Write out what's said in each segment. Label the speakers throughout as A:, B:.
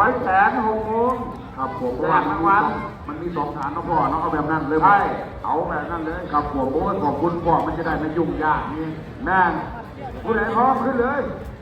A: 6 โมงครับผมแรกวันมันมี2 ฐานนะพ่อเนาะเอาแบบนั้นเลยใช่เอาแบบนั้นเลยครับผมโอ้ยขอบคุณพ่อมันจะได้ไม่ยุ่งยากนี่แม่ผู้ใดพร้อมขึ้นเลย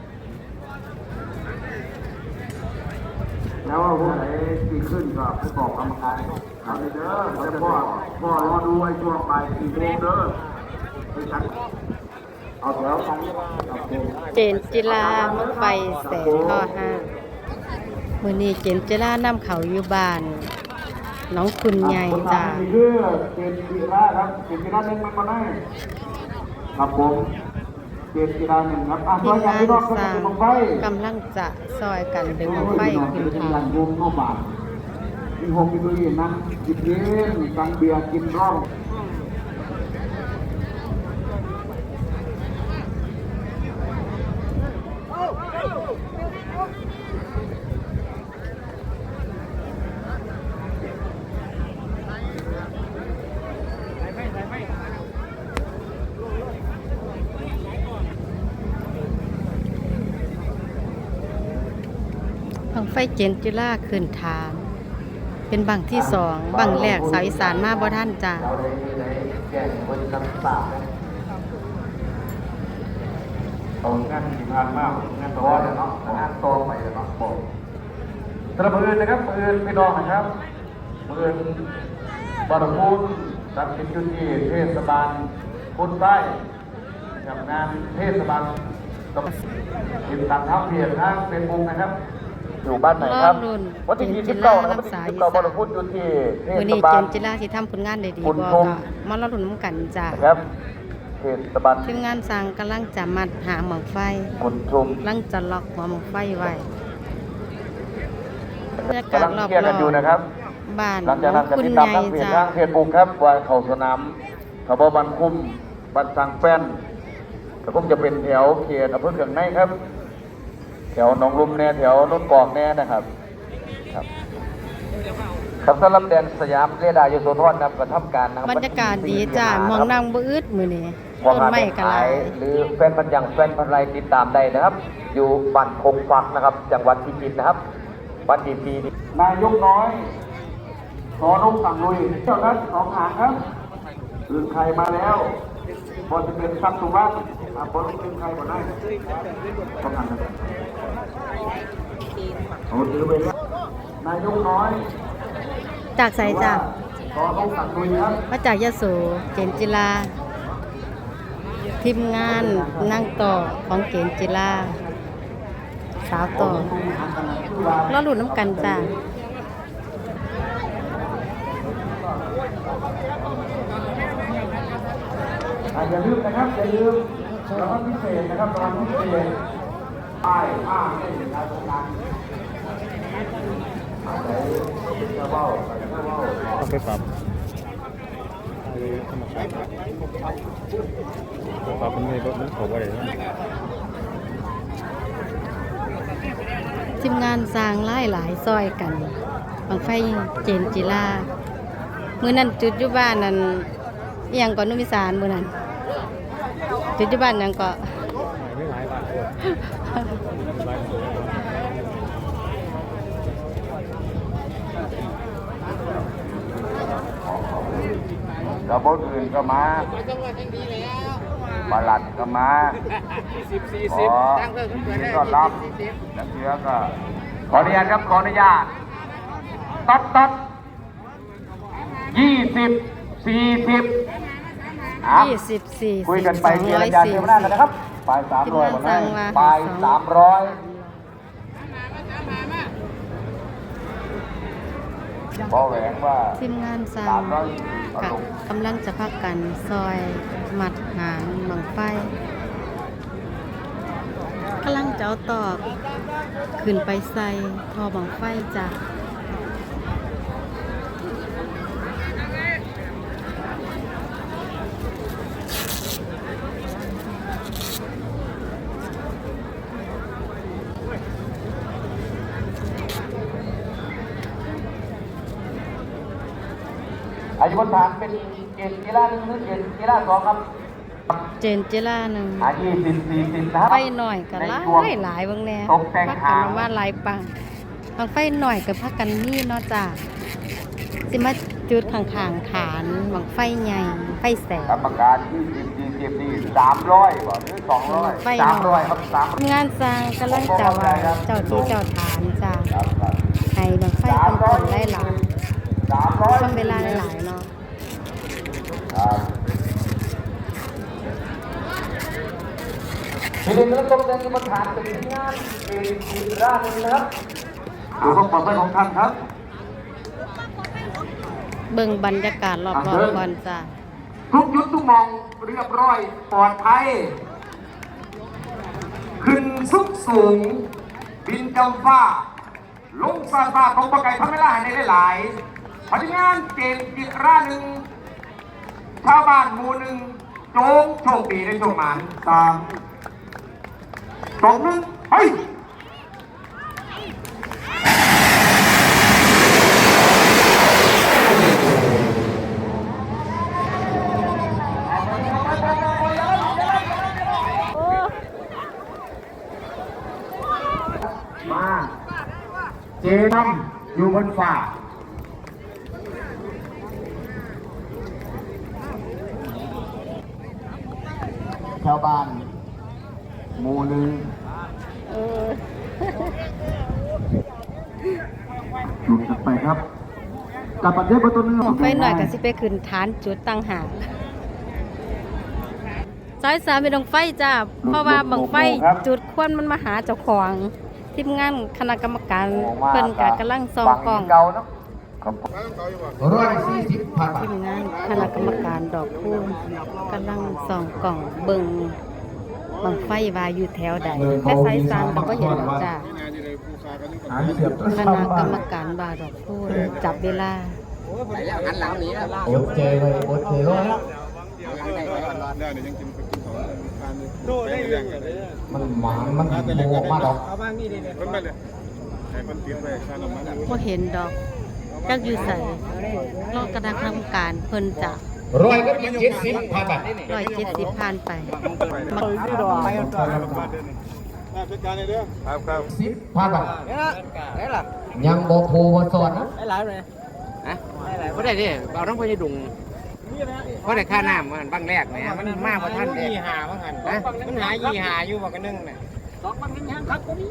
A: แล้วว่าผู้ใดที่ขึ้นก็ไปบอกกรรมการครับเด้อแล้วพ่อรอดูไอ้ช่วงบ่าย4 โมงเด้อไปฉันเอาแถวกันครับผม
B: เจนจิลามักไปแสนข้อห้ามื้อนี้เจนจิลานำเขาอยู่บ้านน้องคุณใหญ่จ้า
A: คือเจนจิราครับเจนจิราหนึ่งมันมาได้ครับผมเจนจิราหนึ่งครับ
B: ทีมงานสร้าง
A: ไฟ
B: กำลังจะซอยกันดึงไฟขึ้นทาง
A: วงนอกบาทมีหกมีตัวเย็นนั่งกินเย็นสั่งเบียร์กินร่อง
B: บังไฟเจนจิลาขึ้นทาง เป็นบังที่สองบังแรกสาวอีสานมาบ่ท่านจ้า
A: เราได้แจ้งคนนำปากเอางานที่ผ่านมางานตัวเนาะงานตัวไปเนาะบอกสำหรับมือนะครับมือพี่น้องนะครับมือบารพูนตัดสินจุดที่เทศบาลพุนใต้กับงานเทศบาลต้องติดตามทางเพจทางเฟซบุ๊กนะครับอยู่บ้านไหนครับวันที่29นะครับวันที่29บารพูนจุดที่เท
B: มื้อ
A: ศ
B: นี้
A: บา
B: เจ
A: ล
B: นจิลาสิทำผลงานได้ดี
A: คุ
B: บ่
A: ณ
B: ก็
A: ชม
B: มาลุ้นนำกันจ้า
A: ครับเทศบาล
B: ทีมงานสร้างกำลังจะมัดหาหมอกไฟ
A: คุณชม
B: กำลังจะล็อกหัวหมอกไฟไว้บรรยากาศ
A: กำลัง
B: รอบ
A: เคลียร์กันอยู่นะครับ
B: บ้าน
A: หลังจากนั้นก็
B: คุณ
A: ติด
B: ให
A: ตาม
B: ญ่
A: ทางเพจ
B: จ้า
A: ทางเฟซบุ๊กครับว่าเขาสนามเขาบอกบันคุ้มบันสังแป้นก็คงจะเป็นแถวเขตอำเภอเขื่องในครับ แถวหนองลุมแน่แถวโนนกอกแน่นะครับครับครับสำหรับแดนสยามเรดาร์ยโสธรนะครับกระทำการนะครับ
B: บรรยากาศดีจ้ามองนั่งบ่อึดมื้อนี้
A: ว่า
B: ต้น
A: งาน
B: ไม้กะหลาย
A: หรือแฟนพันธุ์อย่างแฟนพันธุ์ไรติดตามได้นะครับ อยู่บ้านคงฟักนะครับ จังหวัดพิจิตรนะครับวันที่4นี้นายกน้อยขอนกสั่งลุยเจ้านั้น2 หางครับอื่นใครมาแล้วบอลจะเป็นซับสุวัสดิ์บอลเป็นใครก่อนได้ต้องหันกันโอ้ถือไปแล้วนายกน้อย
B: จากไสจ้า
A: ขอนกสั่งลุยครับ
B: มาจากยโสเจนจิลาทีมงานนั่งต่อของเจนจิลาสาวต่อรอลุ้นน้ำกันจ้า
A: อย่าลืมนะครับอย่าลืมรางวัลพิเศษนะครับรางวัลพิเศษป้ายผ้าให้ในการทำงาน
C: ต้องไปปรับปรับเป็นไงรถนั้นเขาว่าอะไรนะ
B: ทีมงานสร้างหลายซอยกันบังไฟเจนจิลามื้อนั้นจุดอยู่บ้านนั้นอิหยังก่อนนุมิสารมื้อนั้นจุดอยู่บ้านหยังก็
C: ไม่หลายบาทเลยหลายบาท
A: กระบอกอื่นก็มาปลัดก็มาขอก็รับนักเสือก็ขออนุญาตครับขออนุญาตตัด20 40
B: 24
A: คุยกันไปเจรจาเที่ยวหน้ากันนะครับปลาย300วันนั้นปลาย300พอแหวงว่า
B: ทีมงานสร้างกับกำลังจะพักกันซอยมัดหางบังไฟกำลังจะเอาตอกขึ้นไปใส่ทอบังไฟจ้ะ
A: อายุบนฐานเป็นเกณฑ์กีฬา1หรือเกณฑ์กีฬา2ครับ
B: เจนจิลาหนึ่ง
A: 20 40นะครับ
B: ไปหน่อยก็หลายเบิ่งแน่
A: ตกแต่ง
B: พัก
A: หา
B: กัน
A: ง
B: มาหลายปังบังไฟหน่อยกับพักกันนี่เนาะจ้าสิมาจุดข้างๆฐานบังไฟใหญ่ไฟแสง
A: กรรมการที่ทีมนี่300บ่หรือ200 300ครับ300
B: งานสร้างกำลังจะว่าเจ้าที่เจ้าฐานจ้า
A: ครับ
B: ให้บังไฟเป็นคนไล่หลาย
A: 300
B: ต้องเวลาหลายๆเนาะ
A: ครับทีนี้เราต้องเดินกรรมฐานเป็นงานเป็นอีกร้านหนึงนะครับดูความปลอดภัยของท่านครับ
B: เบิ่งบรรยากาศรอบๆก่อนจ้า
A: ทุกยุทธทุกมองเรียบร้อยปลอดภัยขึ้นสุดสูง บินกำฟ้าลงซาซาของปะไก่ทำเวลาให้ได้หลายพนักงานเกณฑ์อีกร้านหนึ่งชาวบ้านหมู่หนึ่งโจงโชคดีในโชคหมาน3 2 1เฮ้ยมาเจน้ำอยู่บนฝ่าชาวบ้านหมู่หนึ่งจุดถัดไปครับกับประเทศประตูเนื้อ
B: บังไฟหน่อยก็สิไปขึ้นฐานจุดตั้งหากสาย3เป็นบังไฟจ้าเพราะว่าบังไฟจุดควันมันมาหาเจ้าของทีมงานคณะกรรมการเพิ่นก็กำลังส่องกล้อง
A: 140 พันบาท
B: ทีมงานคณะกรรมการดอกคูณกำลังส่องกล่องเบิ่งบังไฟว่าอยู่แถวใดแต่สายสามก็บ่เห็นหรอกจ้าคณะกรรมการว่าดอกคูณจับเวลา
A: โอเคเลยโอเคเลยนะมันหมานมันโมกมาดอก
B: บ่เห็นดอกจักอยู่ใส่รอคณะกรรมการเพิ่นจะ
A: 170 พันบาท
B: 170ผ่านไป
A: 10 พันบาทยังบ่โพบ่สอนนะ
C: ได้หลายเลยฮะได้หลายเพราะได้ดิเอาทั้งพญดุงเพราะได้ค่าน้ำมันบางแรกแหมมันมากกว่าท่านเด็กหาว่างันนะมันหายี่หาอยู่ว่ากันนึงน่ะ2 บางยังครับก็มี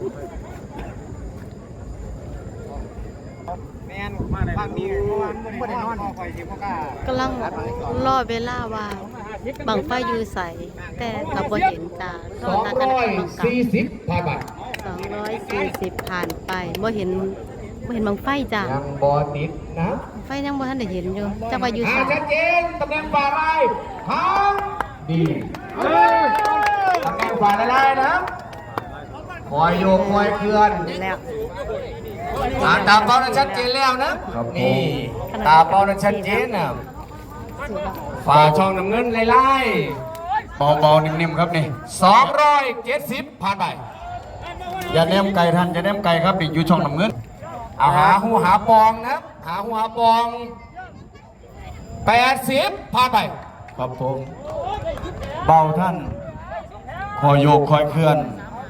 C: แม่นบางมีบ่ได้นอนคอยสิบ่กล้าก
B: ำลังรอเวลาว่าบังไฟอยู่ใส่แต่ก็บ่เห็นจ้ารอคณะกรรมการ
A: 240 พันบาท
B: 240ผ่านไปบ่เห็นบังไฟจ้ะ
A: ยังบ่ติดนะ
B: บังไฟยังบ่ทันได้เห็นอยู่จักว่าอยู่ไส
A: ชัดเจนตำแหน่งฝ่าลายทางดีตำแหน่งฝ่าลายนะคอยโยกคอยเคลื่อน
B: แล้ว
A: ตาเป้านั้นชัดเจนแล้วนะนี่ตาเป้านั้นชัดเจนนะฝ่าช่องน้ำเงินไล่เบาๆนิ่มๆครับนี่270ผ่านไปอย่าแนมไก่ท่านอย่าแนมไก่ครับนี่อยู่ช่องน้ำเงินเอาหาหูหาปองนะหาหูหาปอง80ผ่านไปครับผมเบาท่านคอยโยกคอยเคลื่อน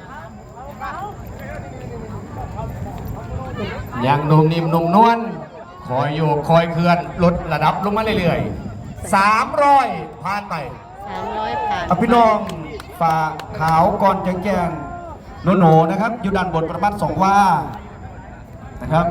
A: ยังนุ่มนิ่มนุ่มนวลคอยโยกคอยเคลื่อนลดระดับลงมาเรื่อยๆ300ผ่านไป
B: 300ผ่าน
A: พี่น้องฝ่าขาวก่อนแจ้งโนนะครับอยู่ด้านบนประมาณ2 ว่านะครับ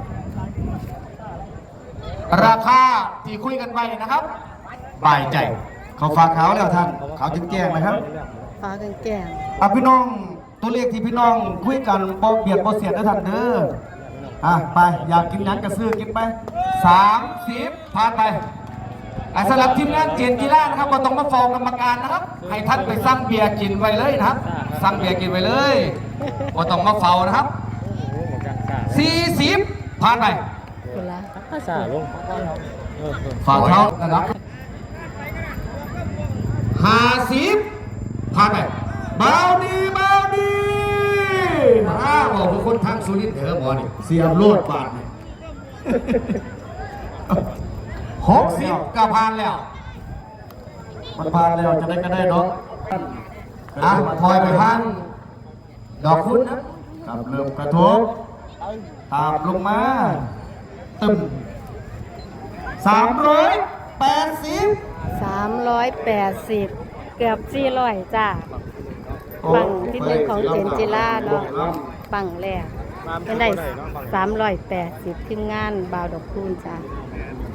A: ราคาที่คุยกันไปนะครับบ่ายใจเขาฝากขาวแล้วท่านขาวแจ้งนะครับ
B: ฟ้าแก่ง
A: พี่น้องตัวเลขที่พี่น้องคุยกันบ่เบียดบ่เสียดนะท่านเด้อไปอยากกินนั้นก็ซื้อกินไป30ผ่านไปสำหรับทีมงานเจนกีฬานะครับก็ต้องมาฟ้องกรรมการนะครับให้ท่านไปสั่งเบียร์กินไว้เลยนะครับสั่งเบียร์กินไว้เลยก็ต้องมาเฝ้านะครับ40ผ่านไป
B: คุณละ
C: ซาลง
A: ฝ่าเท้านะครับ50ผ่านไปเบาดีบอกคือคนทางสุรินทร์เถอะหมอนี่เสียบโลดบาท60ก็ผ่านแล้วมันผ่านแล้วจะได้ก็ได้เนาะถอยไปพันดอกคุณนะครับเริ่มกระทบตามลงมาตึม380
B: เกือบ400จ้าปังที่หนึ่งของเจนจิล่าเนาะปังแรกเป็นได้380ทีมงานบาวดอกคูณจ้า